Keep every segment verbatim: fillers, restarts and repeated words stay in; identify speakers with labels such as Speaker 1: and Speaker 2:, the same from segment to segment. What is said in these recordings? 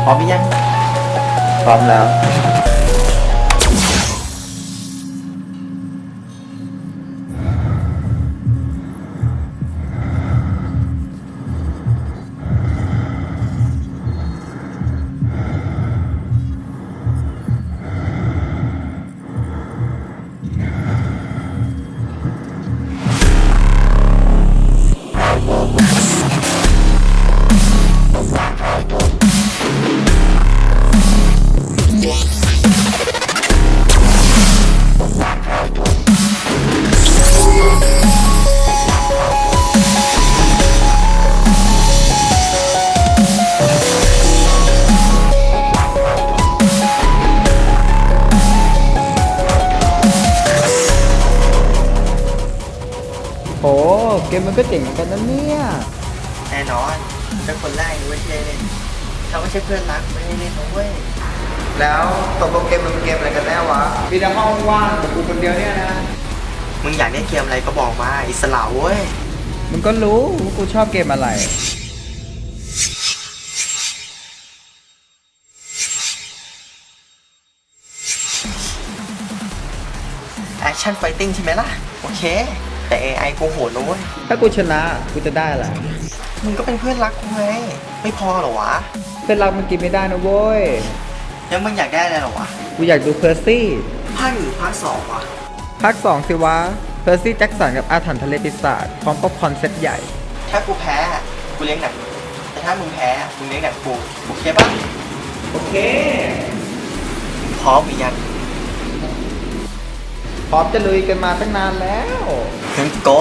Speaker 1: ร้อมหรือยัง
Speaker 2: พร้อมแล้วโอ้เกมมันก็เจ๋งเหมือนกันนะเนี่ย
Speaker 1: แน่นอนเป็นคนแรกเว้ยที่ได้เล่นถ้าไม่ใช่เพื่อนรักไม่ได้เล่นนะเว้ย
Speaker 2: แล้วตกลงเกมมันเป็นเกมอะไรกันแน่วะมีแต่ห้องว่างแต่กูคนเดียวเนี่ยนะ
Speaker 1: มึงอยากได้เกมอะไรก็บอกมาอิสระเว้ย
Speaker 2: มึงก็รู้ว่ากูชอบเกมอะไร
Speaker 1: แอคชั่นไฟติ้งใช่ไหมล่ะโอเคแต่ เอ ไอ กูโหดนะเว้ย
Speaker 2: ถ้ากูชนะกูจะได้อะไร
Speaker 1: มึงก็เป็นเพื่อนรักกูไงไม่พอเหรอวะ
Speaker 2: เพื่อนรักมันกินไม่ได้นะเว้ย
Speaker 1: แล้วมึงอยากได้อะไรเหรอวะ
Speaker 2: กูอยากดูเพอร์ซี่
Speaker 1: ภาคหรือภาคสองวะ
Speaker 2: ภาคสองสิวะเพอร์ซี่แจ็คสันกับอาถรรพ์ทะเลปีศาจพร้อมป๊อปคอร์นเซตใหญ่
Speaker 1: ถ้ากูแพ้กูเลี้ยงหนังแต่ถ้ามึงแพ้มึงเลี้ยงหนังกูโอเคปะ
Speaker 2: โอเค
Speaker 1: พร้อมหรือยัง
Speaker 2: พร้อมจะลุยกันมาตั้งนานแล้ว
Speaker 1: ถึงโก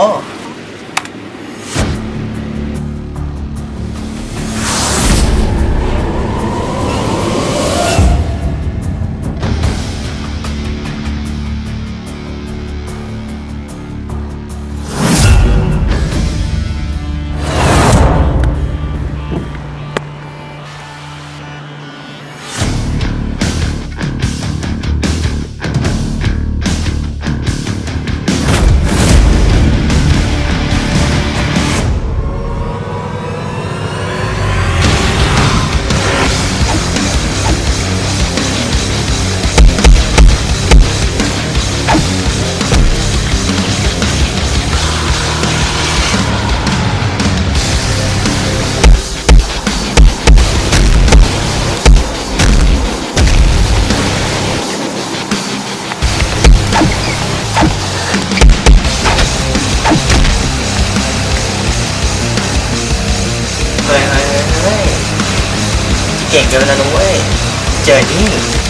Speaker 1: เฮ้ยเฮ้ยเฮ้ยเก่งเกินนะนุ้ยเจอนี่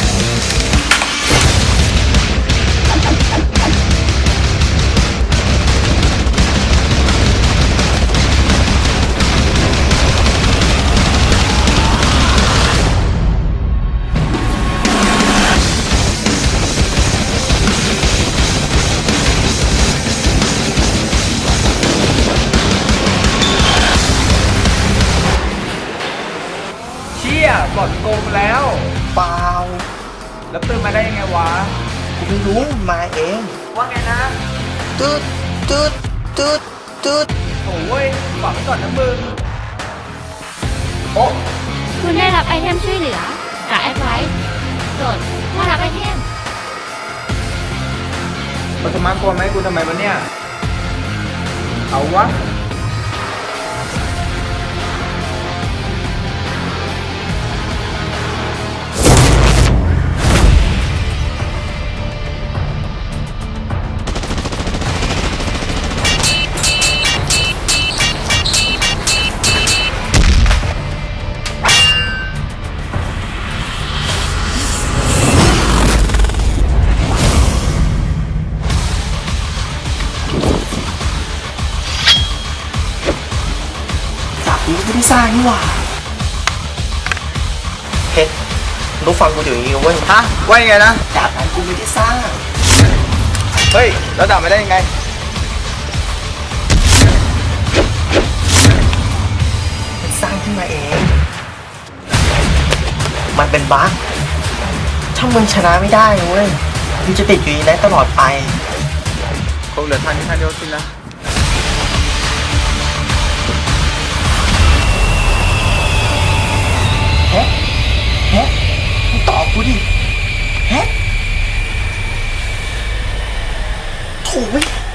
Speaker 2: บอดโกงแล้ว
Speaker 1: เปล่า
Speaker 2: แล้วตื่นมาได้ยังไงวะ
Speaker 1: กูไม่รู้มาเอง
Speaker 2: ว่าไงนะ
Speaker 1: ตืดตืดตืดตืด
Speaker 2: โอ้ยฝากไว้ก่อนนะมึงโอ้
Speaker 3: คุณได้รับไอเทมช่วยเหลือจากแอดไวซ์โดดมารับไอเทม
Speaker 2: ปัทมากลัวไหมกูทำไมวะเนี่ยเอาวะ
Speaker 1: กูไม่ได้สร้างนี่หว่าเพชรรู้ฟังกูเดี๋ยวนี้เว้ย
Speaker 2: ฮะว่ายังไงนะ
Speaker 1: ดาบนั้นกูไม่ได้สร้าง
Speaker 2: เฮ้ยแล้วดาบไม่ได้ยังไง
Speaker 1: มันสร้างขึ้นมาเองมันเป็นบั๊กถ้ามึงชนะไม่ได้เว้ยมึงจะติดอยู่ในนั้นตลอดไป
Speaker 2: คงเหลือทางนี้ทางเดียวสินะ
Speaker 1: เอ๊ะกูดิแฮะโถูกไหม